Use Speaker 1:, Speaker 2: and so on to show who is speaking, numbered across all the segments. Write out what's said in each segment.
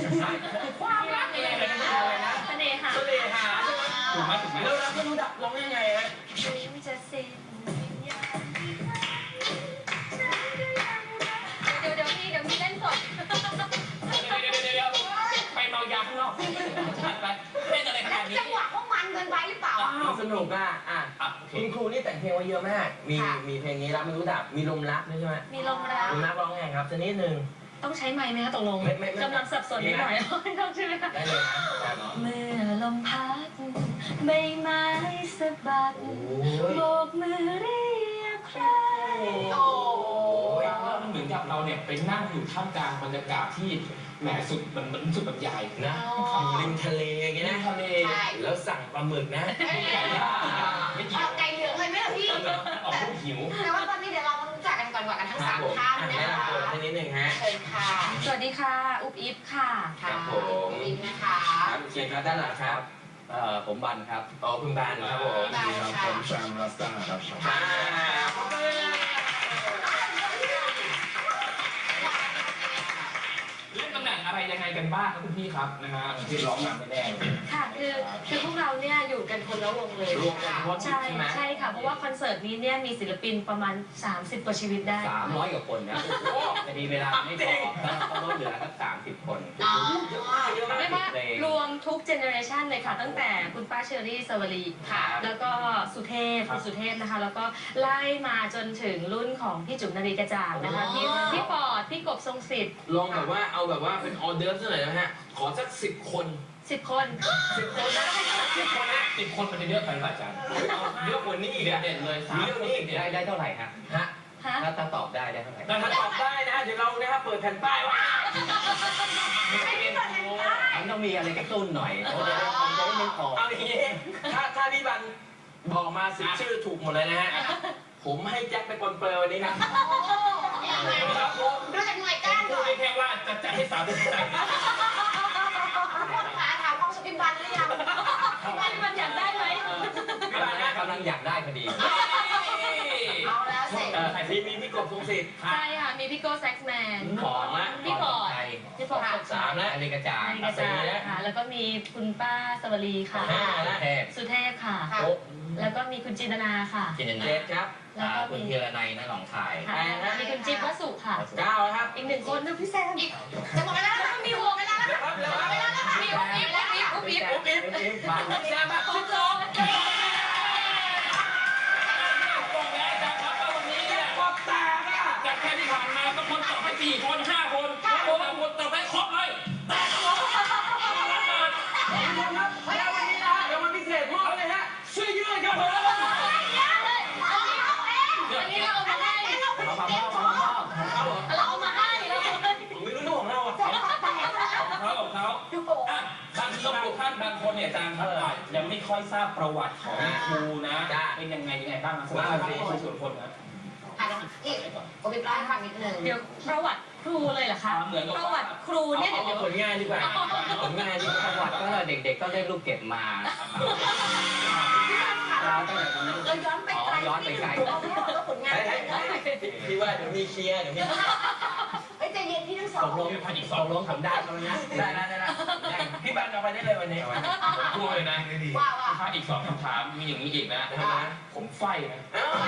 Speaker 1: ความรักเองเลยนะเสน่หาใช่ไหมถูกไหมแล้วรักไม่รู้ดับร้องยังไงฮะ
Speaker 2: จะสิ้นเดี๋ยวมีเล่นสด
Speaker 1: ไปเมายาข้างนอกไปเล่นอะไรขนาดนี้
Speaker 3: จังหวะว่ามันเกินไปหรือเปล่า
Speaker 4: สนุกคุณครูนี่แต่งเพลงไว้เยอะมากมีเพลงนี้รักไม่รู้ดับมีลมรักด้วยใช่ไหม
Speaker 2: มีลมรัก
Speaker 4: ร้องไงครับจะนิดนึง
Speaker 2: ต้องใช้ไม้ไหมคะตกลงกำลังสับสนนิดหน่อยต้องใช่ไหมคะ
Speaker 4: ได้เลยนะ
Speaker 2: เมื่อลมพัดใบไม้สะบัดโบกมือเรียกใคร
Speaker 1: เหมือนกับเราเนี่ยไปนั่งอยู่ท่ามกลางบรรยากาศที่แหมสุดมันสุดบรรยาย
Speaker 4: นะริมทะเลอย่างเงี้ยนะ
Speaker 1: ทะเล
Speaker 4: แล้วสั่งปลาหมึกนะ
Speaker 3: ไก่เหลืองเลยไหมล่ะพี่
Speaker 1: ออกลูกหิว
Speaker 3: แต่ว่าตอนนี้เดี๋ยวเรามารู้จักกันก่อนกันทั้ง3ท่านนะคะ
Speaker 4: นิดนึงฮะ
Speaker 3: เชิญค่ะ
Speaker 2: สวัสดีค่ะอุ๊บอิ๊บค่ะ
Speaker 4: ครับผม
Speaker 3: อิ๊บนะคะ
Speaker 4: เชิญครับด้านหลังครับ
Speaker 5: ผมบันครับ
Speaker 4: คุณบันครับผม
Speaker 5: ผมแซมรัสต้าครับ
Speaker 1: เล่นตำแหน่งอะไรยังไงกันบ้างครับคุณพี่ครับนะฮะที่ร้องนำไม่แน่
Speaker 2: ค่ะคือพวกเราเนี่ยอยู่กันคนละวงเลยใช่ค่ะเพราะว่าคอนเสิร์ตนี้เนี่ยมีศิลปินประมาณ30กว่าชีวิตได้
Speaker 5: 300กว่าคนนะจะมีเวลาไม่พอต้องลดเหลือสัก30คน
Speaker 2: เรียกว่ารวมทุกเจเนอเรชันเลยค่ะตั้งแต่คุณป้าเชอรี่สวรีค่ะแล้วก็สุเทพคุณสุเทพนะคะแล้วก็ไล่มาจนถึงรุ่นของพี่จุ๋มนารีกระจ่างนะคะพี่ปอดพี่กบทรงสิทธิ์
Speaker 4: ลองแบบว่าเอาแบบว่าเป็นออเดิร์ฟหน่อยนะฮะขอสัก10 คน
Speaker 2: 10 คน
Speaker 4: นะ10 คนนะ
Speaker 1: 10 คนมันจะเยอะไปป่ะอาจารย์
Speaker 4: เยอะกว่านี้อีก
Speaker 1: เด่นเลย
Speaker 4: เรื่องนี้
Speaker 5: ได้เท่าไหร่ฮะถ้าตอบได้เท่าไหร่
Speaker 4: ถ้าตอบได้นะเดี๋ยวเรานะครับเปิดแผ่นป้ายว่า
Speaker 5: มันต้องมีอะไรกระตุ้นหน่อยมันจะได้ไม่พอ
Speaker 4: เอาอย่างนี้ถ้าพี่บันบอกมา10 ชื่อถูกหมดเลยนะฮะผมให้แจ็คไปปนเปื้อนวันนี้ครับ
Speaker 3: ดูจากหน่วยก้าน
Speaker 1: พูดได้แค่ว่าจะให้30ใจ
Speaker 3: ถามความสุขพิบันหรือยัง
Speaker 2: พี่บันอยากได้ไหม
Speaker 5: กำลังอยากได้พอดี
Speaker 3: เอาแล้วเสร็จ
Speaker 4: มีพี่กบทรงสิทธิ์
Speaker 2: ใช่ค่ะมีพี่โก้แซ็กแมนพี่ปอด
Speaker 4: 3แล้ว
Speaker 5: อันนี้กระจาย
Speaker 2: ค่ะแล้วก็มีคุณป้าสวรีค่ะสุเทพค่ะแล้วก็มีคุณจินตนาค่ะ
Speaker 5: จินตนา
Speaker 4: ครับ
Speaker 5: แล้วก็คุณเทียรนัยนะหนองคาย
Speaker 2: มีคุณจิ๊บวัสุค่ะ
Speaker 4: 9ครับ
Speaker 2: อีก1 คนนึงพี่แซม
Speaker 3: จะหมดเวลาแล้วมีหัวเวลาแล้ว
Speaker 2: มีอุ๊บอิ๊บ
Speaker 4: มาคุณโจ
Speaker 1: จากแค่ที่ผ่านมาก็คนตอบไป4 คน5 คนคนตอบไปครบเลยแต่ก็ร้อง
Speaker 4: แล้ววันนี้นะเดี๋ยววันพิเศษพวกเลยฮะช่วยยืดครับผม
Speaker 2: เราเอามาให้
Speaker 4: ผมไม่รู้เรื่องของเราอ่ะ
Speaker 1: ของเขาบางคนเนี่ยอาจารย์ครับยังไม่ค่อยทราบประวัติของครูนะเป็นยังไงบ้างนะว่าเป็นส่วนคนนะ
Speaker 3: นี่ผมเป็นร้อยฟังนิดนึง
Speaker 2: เดี๋ยวประวัติครูเลยเหรอคะประวัติครูเนี่ย
Speaker 4: เดี๋ยวผลงานดีกว่าผลงานดี
Speaker 5: ประวัติก็เด็กๆก็ได้ลูกเก็บมา
Speaker 3: เราย้อนไปไกลแล้วผลงาน
Speaker 4: พี่ว่าเดี๋ยวมีเคลียร์เดี๋ยวมี
Speaker 3: ใจเย็นที่ทั้งสอง
Speaker 4: ตกลงทำได้แล้วนะได้พี่บันเอาไปได้เลยวันนี้
Speaker 1: พูดเลยนะถ้าอีก2 คำถามมีอย่างนี้อีกนะผมไฟนะ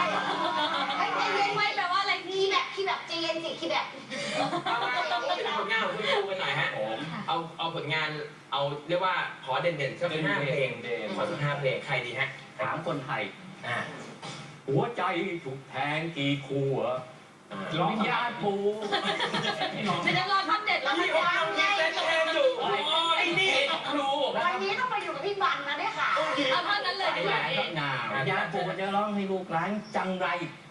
Speaker 3: ไม่แปลว่าอะไรที่แบบใจเย็นสิที่แบบ
Speaker 4: เอาผลงานของคุณครูกันหน่อยฮะเอาผลงานเอาเรียกว่าขอเด่นๆสัก5 เพลงขอสัก5 เพลงใครดีฮะ
Speaker 5: ถามคนไทยหัวใจถูกแทงกี่ขัวร้องยาปู
Speaker 2: จะรอท่อนเด็ดแล้ว
Speaker 4: พี่ว่าเต้นเองอยู่ไอ้นี่ครู
Speaker 3: วันนี้ต้องไปอยู่กับพี่บันนะเนี่ยค่ะ
Speaker 2: เอาท่อนนั้นเลยดีกว่า
Speaker 5: ก็หนาว ยาปูจะร้องให้ลูกหลานจังไร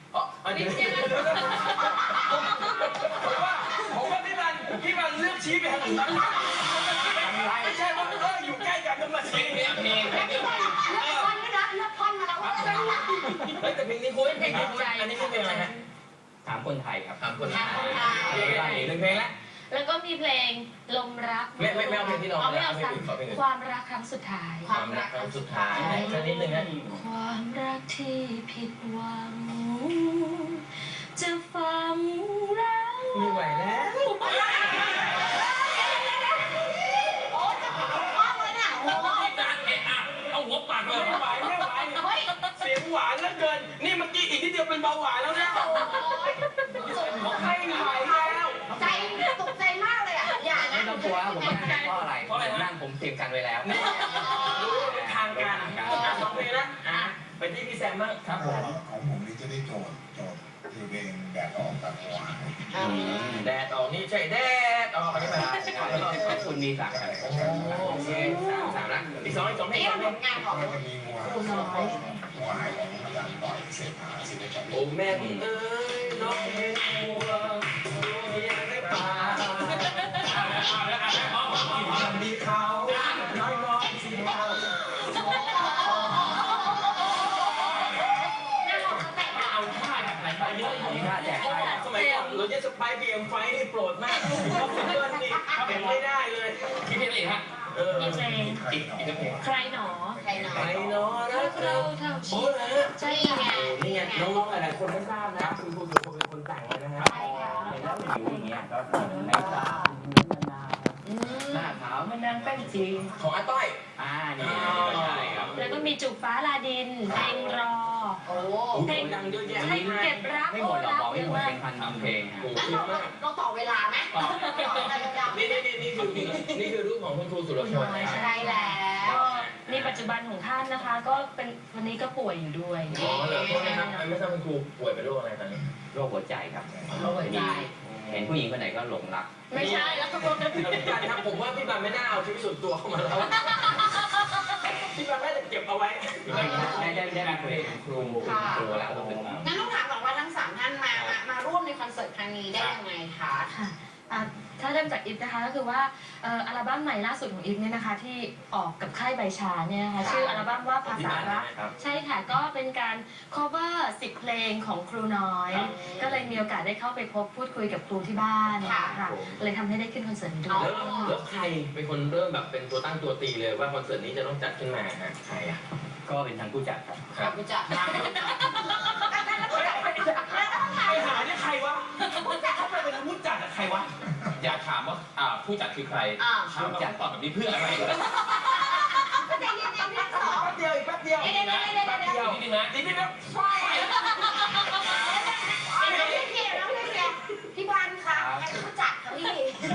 Speaker 4: ผมว่าพี่บันเลือกชี้ไปทางอื่นไม่ใช่ว่าอยู่ใกล้กันก็มาชี้
Speaker 1: เพลง
Speaker 3: เลือกท่อนด้วยนะเลือกท่อนมาแล้ว
Speaker 4: แต่เพลงนี้คุณอันนี้คือเพลงอะไรฮะ
Speaker 5: ถามคนไทยครับ
Speaker 4: ถามคนไทย1 เพลง
Speaker 2: แล้วก็มีเพลงลมรัก
Speaker 4: ไม่เอาเพลงที่เรา
Speaker 2: ไม่เอาความรักครั้งสุดท้าย
Speaker 4: ความรักครั้งสุดท้ายแค่นิดนึงนะ
Speaker 2: ความรักที่ผิดหวังจะฟังเรา
Speaker 4: ไม่ไหวแล้ว
Speaker 1: บปากเลย
Speaker 4: ไม่ไหวเสียงหวานเหลือเกินนี่เมื่อกี้อีกนิดเดียวเป็นเบาหวานแล้วนะไม่ไหวแล้ว
Speaker 3: ใจตกใจมากเลยอ่ะอย่า
Speaker 5: ไม่
Speaker 3: นะ
Speaker 5: ต้องกลัวผมนั่งเพราะอะไรนั่งผมเตรียมกันไว้แล้ว
Speaker 4: รู้ทางการสองเพลงนะไปที่พี่แซมบ้าง
Speaker 1: ครับผม
Speaker 6: ของผมนี่จะได้โจทย์คือเพลงแดดออกกับหัว
Speaker 4: แดดออกนี่ใช่แดดออกนี่มา
Speaker 5: คุณมีสั่งกัน
Speaker 4: โอเคสามละอีกสองเพล
Speaker 3: นี่
Speaker 4: ง
Speaker 3: ผลงานของ
Speaker 6: แล้วก็จะมีหัวหายของอาจารย์ต่อยเศรษฐาศิลปะ
Speaker 4: โอ้แม่คุณเอ้ยน้องเห็นหัวเมียได้ป่ามีเขาน้อยสีเทา
Speaker 1: เอาท่าแบบไหนไปเยอะอย่างนี้
Speaker 5: ถ้าแจกได้
Speaker 4: สมัยก่อนเราจะสไปบีเอ็มไฟนี่โปรดมากเพราะเพื่อนนี่เป็นไม่ได้เลย
Speaker 1: คิดเพลงอะไรฮะ
Speaker 2: มีเพลง
Speaker 1: อีกเพลง
Speaker 2: ใครหนอ
Speaker 3: ใครหนอ
Speaker 4: ใครเนาะนะ
Speaker 2: เราเท่า
Speaker 4: โอ้
Speaker 2: ชี
Speaker 4: นะ
Speaker 2: ใช่
Speaker 3: นี่ไง
Speaker 4: นี่ไงน้องๆหลายๆคนไม่ทราบนะคุณครูเป็นคนแต่งเลยนะฮะ
Speaker 5: เห็นแล้วมันอยู่อย่างเงี้ยก็ไม่ทราบหน้าขาวมันนางแป้งจริง
Speaker 4: ของอาต้อย
Speaker 5: นี่ใช่ครับ
Speaker 2: แล้วก็มีจุกฟ้าลาดินเพลงรอ
Speaker 3: โอ้
Speaker 4: เพลงดังเยอะแยะ
Speaker 2: ให้เก็บรัก
Speaker 5: ไม่
Speaker 2: โอ้
Speaker 5: หมดหรอก
Speaker 2: รัก
Speaker 5: บอก
Speaker 2: เย
Speaker 5: ไม่
Speaker 2: อะ
Speaker 5: หมด
Speaker 2: มาก
Speaker 5: เป็นพันเพลง
Speaker 4: โอ้
Speaker 3: แล้ว
Speaker 4: เยอะมาก
Speaker 3: เราต่อเวลาไหมต่ออะไรยาว
Speaker 4: นี่คือรูปของคุณครูสุรพล
Speaker 3: ๆใช่แล้ว
Speaker 2: ก็นี่ปัจจุบันของท่านนะคะ ก็เป็นวันนี้ก็ป่วยอยู่ด้วย
Speaker 4: อ๋อเหรอโทษนะครับไม่ทราบคุณครูป่วยเป็นโรคอะไรตอนนี้
Speaker 5: โรคหัวใจครับ
Speaker 3: โรคหัวใจ
Speaker 5: เห็นผู้หญิงคนไหนก็หลงรัก
Speaker 2: ไม่ใช่แล้ว
Speaker 4: พี่บันครับผมว่าพี่บันไม่น่าเอาชีวิตส่วนตัวเข้ามาแล้วพี่บันน่าจะเก็บเอาไว้
Speaker 5: ได้คุยกับครูแล้วก็เป็น
Speaker 3: งั้นต้องถามก่อนว่าทั้งสามท่านมาร่วมในคอนเสิร์ตครั้งนี้ได้ยังไงคะ
Speaker 2: ถ้าเริ่มจากอิฟนะคะก็คือว่าอัลบั้มใหม่ล่าสุดของอิฟเนี่ยนะคะที่ออกกับค่ายใบชาเนี่ยนะคะชื่ออัลบั้มว่าภาษารัก ใช่ค่ะก็เป็นการ cover 10 เพลงของครูน้อย ก็เลยมีโอกาสได้เข้าไปพบพูดคุยกับครูที่บ้านค่ะเลยทำให้ได้ขึ้นคอนเสิร์ตนี้ด้วย
Speaker 4: แล้วใครเป็นคนเริ่มแบบเป็นตัวตั้งตัวตีเลยว่าคอนเสิร์ตนี้จะต้องจัดขึ้นมาฮะใครอ่ะ
Speaker 5: ก็เป็นทางผู้จัดครับ
Speaker 3: ครับผู้จัด
Speaker 1: ไปหาเนี่ยใครวะเขาไปเป็นผู้จัดอะใครวะ อยากถามว่าผู้จัดคือใครถามว่าตอบแบบนี้เพื่ออะไร
Speaker 3: ใจเย็นๆสอง
Speaker 4: แป๊บเดียวอีกแป๊บเดียว
Speaker 3: เดี๋ยว
Speaker 1: นิดนึงนะ
Speaker 4: นิดนะ
Speaker 3: พี่บอลค่ะใครผู้จัดคะพี่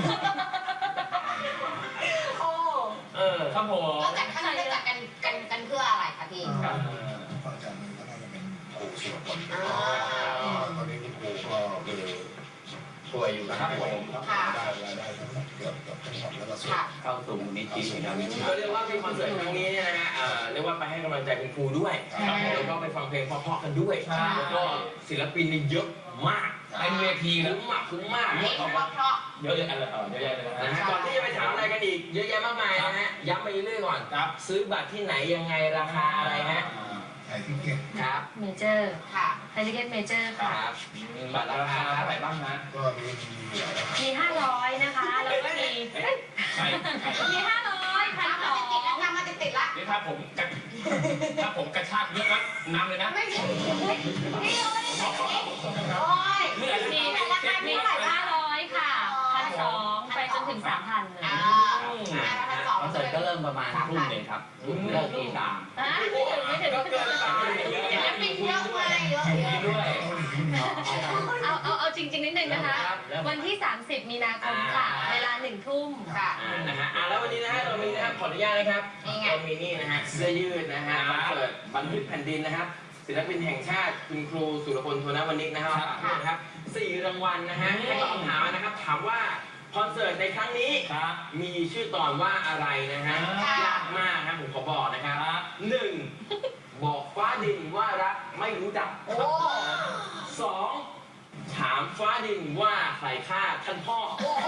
Speaker 3: โอ้
Speaker 1: ครับผม
Speaker 3: แล้วแต่ครั้งนี้ได้จัดกันเพื่ออะไรคะพี่
Speaker 6: พระอาจารย์มันก็น่าจะเป็นครูสุรพลตอนนี้คุณครูก็คือ
Speaker 4: ป่วยอยู่
Speaker 6: ครับผมได้รายได้เกือบทั้งหมดแล้วก็ส่วน
Speaker 5: เข้าสู่มูลนิธินะวิชา
Speaker 4: ก็เรียกว่ามีคอนเสิร์ตครั้งนี้เนี่ยนะฮะเรียกว่าไปให้กำลังใจคุณครูด้วยแล้วก็ไปฟังเพลงเพราะๆกันด้วยแล้วก็ศิลปินนี่เยอะมาก
Speaker 1: เป็นเวทีแล้ว
Speaker 4: คุ้มมาก
Speaker 3: นี่เพราะ
Speaker 1: เยอะแยะเลยเยอะแยะเลย
Speaker 4: นะ
Speaker 1: นะ
Speaker 4: ฮะก่อนที่จะไปถามอะไรกันอีกเยอะแยะมากมายนะฮะย้ำไปเรื่อยๆก่อน
Speaker 1: ครับ
Speaker 4: ซื้อบัตรที่ไหนยังไงราคาอะไรฮะ
Speaker 6: ไทยทิเก็ต
Speaker 4: ครับ
Speaker 2: เมเจอร์
Speaker 3: ค่ะ
Speaker 2: ไททิเก็ตเมเจอร์
Speaker 4: ค
Speaker 2: ค่ะ
Speaker 4: รับ
Speaker 1: บัตรราคาเท่าไหร่บ้างฮะ
Speaker 6: ก็มีเหลือแล้ว
Speaker 2: มี 500 นะคะ แล้วก็มี
Speaker 1: ใช่
Speaker 2: มี 500
Speaker 3: ตามมาติดๆแล้วตามมาติดๆละ
Speaker 1: นี่ถ้าผมกระชากเยอะนะนำเลยนะ
Speaker 3: ไม่ใช่นี่เราไม่ได้ใส่โอ้ย
Speaker 1: เมื่อไหร่
Speaker 2: มี
Speaker 3: ราคาเท่าไหร่บ้าง
Speaker 2: 500 ค่ะ 1,200 ไปจนถึง 3,000 เลย
Speaker 5: คอนเสิร์ตก็เริ่มประมาณทุ่มหนึ่งครับเลิกตีสาม
Speaker 2: ไม่ถึง
Speaker 4: ก็เกินไป
Speaker 3: ศิลปินเยอะมากเยอะ
Speaker 1: ด้วย
Speaker 2: เอาจริงๆนิดนึงนะคะ วันที่ 30 มีนาคมค่ะ เวลา 1 ทุ่ม
Speaker 3: ค่ะ
Speaker 4: นะฮะแล้ววันนี้นะฮะเรามีนะครับขออนุญาตนะครับเรามีนี่นะฮะเสื้อยืดนะฮะคอนเสิร์ตบันทึกแผ่นดินนะครับศิลปินแห่งชาติคุณครูสุรพลโทนวณิกนะครับ4 รางวัลนะฮะให้ตอบคำถามนะครับถามว่าคอนเสิร์ตในครั้งนี้
Speaker 1: ครับ
Speaker 4: มีชื่อตอนว่าอะไรนะฮะยากมากนะผมขอบอกนะครับ1บอกฟ้าดินว่ารักไม่รู้จัก
Speaker 3: โอ้
Speaker 4: 2ถามฟ้าดินว่าใครฆ่าท่านพ่อ
Speaker 3: โอ้โห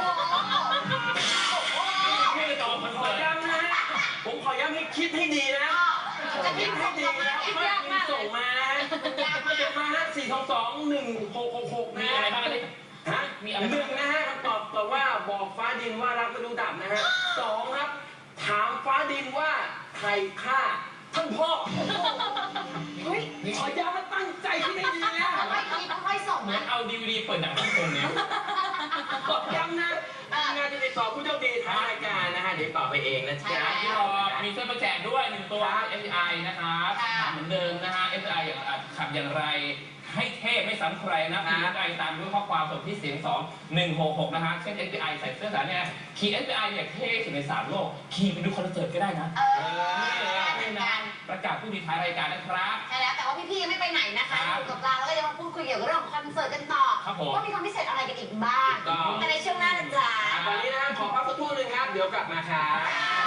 Speaker 1: ไม่ได้ตอบคอน
Speaker 4: ขอ
Speaker 1: เสิร์ต
Speaker 4: ย้ำนะฮะผมขอย้ำให้คิดให้ดีนะ
Speaker 3: จะคิ
Speaker 4: คิ
Speaker 3: ด
Speaker 4: ด
Speaker 3: ให้
Speaker 4: ให้
Speaker 3: ดี
Speaker 4: ดี
Speaker 3: นะ
Speaker 4: นะไม่มีส่งมามาฮะ4221666
Speaker 1: มี
Speaker 4: นะ
Speaker 1: อะไรบ้างอันนี้
Speaker 4: ฮะมีอะไร1นะฮะคำตอบตอบว่าบอกฟ้าดินว่ารักไม่รู้ดับนะฮะ2ครับถามฟ้าดินว่าใครฆ่าท่านพ่อ
Speaker 3: เฮ้ย
Speaker 4: ขอย้ำว่าตั้งใจคิดให้ดีนะ
Speaker 3: ไม่คิดค่อยส่ง
Speaker 1: เหมือ
Speaker 3: นะ
Speaker 1: นเอาDVD เปิดหนังฮ่องกงเนี่ย
Speaker 4: ขอย้ำนะงานจะติด 12ผู้โชคดีท้ายรายการนะฮะเดี๋ยวต่อไปเองนะจ๊ะ
Speaker 1: ที่เรามีเสื้อมาแจกด้วย1ตัว FPI นะครับเหมือนเดิมนะฮะ FPI อย่างขับอย่างไรให้เทพไม่ซ้ำใครนะมี FPI ตามด้วยข้อความส่งที่เสียง2166นะฮะเช่น FPI ใส่เสื้อสารเนี่ยขี่ FPI เนี่ยเท่สุดใน3โลกขี่ไปดูคอนเสิร์ตก็ได้นะนี่นะประกาศผู้ดีท้ายรายการนะครับ
Speaker 3: ใช่แล้วแต่ว่าพี่ๆยังไม่ไปไหนนะคะอยู่กับเราแล้วก็จะมาพูดคุยเกี่ยวกับเรื่องของคอนเสิร์ตกันต่อว่ามีความพิเศษอะไรกันอีกบ้างแต่ในช่วงหน้านะจ๊ะ
Speaker 4: ตอนนี้นะฮะขอพักสักครู่หนึ่งครับเดี๋ยวกลับมาครับ